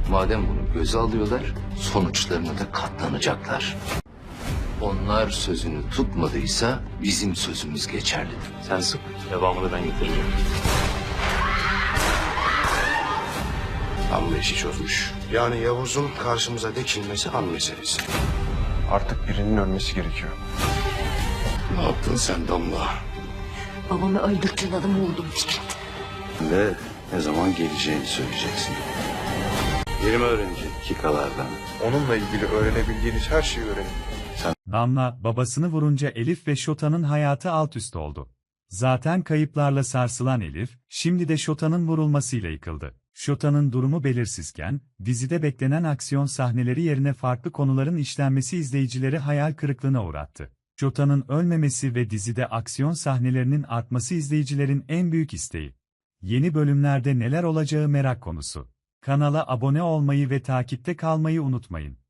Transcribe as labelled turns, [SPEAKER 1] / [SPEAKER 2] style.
[SPEAKER 1] Madem bunu göze alıyorlar, sonuçlarına da katlanacaklar. Onlar sözünü tutmadıysa bizim sözümüz geçerlidir.
[SPEAKER 2] Sen sık, devamını ben getireceğim.
[SPEAKER 3] Amma işi çözmüş. Yani Yavuz'un karşımıza dikilmesi an meselesi.
[SPEAKER 4] Artık birinin ölmesi gerekiyor.
[SPEAKER 3] Ne yaptın sen Damla?
[SPEAKER 5] Babamı öldürttüğün adamı vurdum Fikret.
[SPEAKER 3] Ve ne zaman geleceğini söyleyeceksin. Yeni mi öğrenecek kikalardan?
[SPEAKER 4] Onunla ilgili öğrenebildiğiniz her şeyi öğrenin.
[SPEAKER 6] Damla, babasını vurunca Elif ve Şota'nın hayatı alt üst oldu. Zaten kayıplarla sarsılan Elif, şimdi de Şota'nın vurulmasıyla yıkıldı. Şota'nın durumu belirsizken, dizide beklenen aksiyon sahneleri yerine farklı konuların işlenmesi izleyicileri hayal kırıklığına uğrattı. Şota'nın ölmemesi ve dizide aksiyon sahnelerinin artması izleyicilerin en büyük isteği. Yeni bölümlerde neler olacağı merak konusu. Kanala abone olmayı ve takipte kalmayı unutmayın.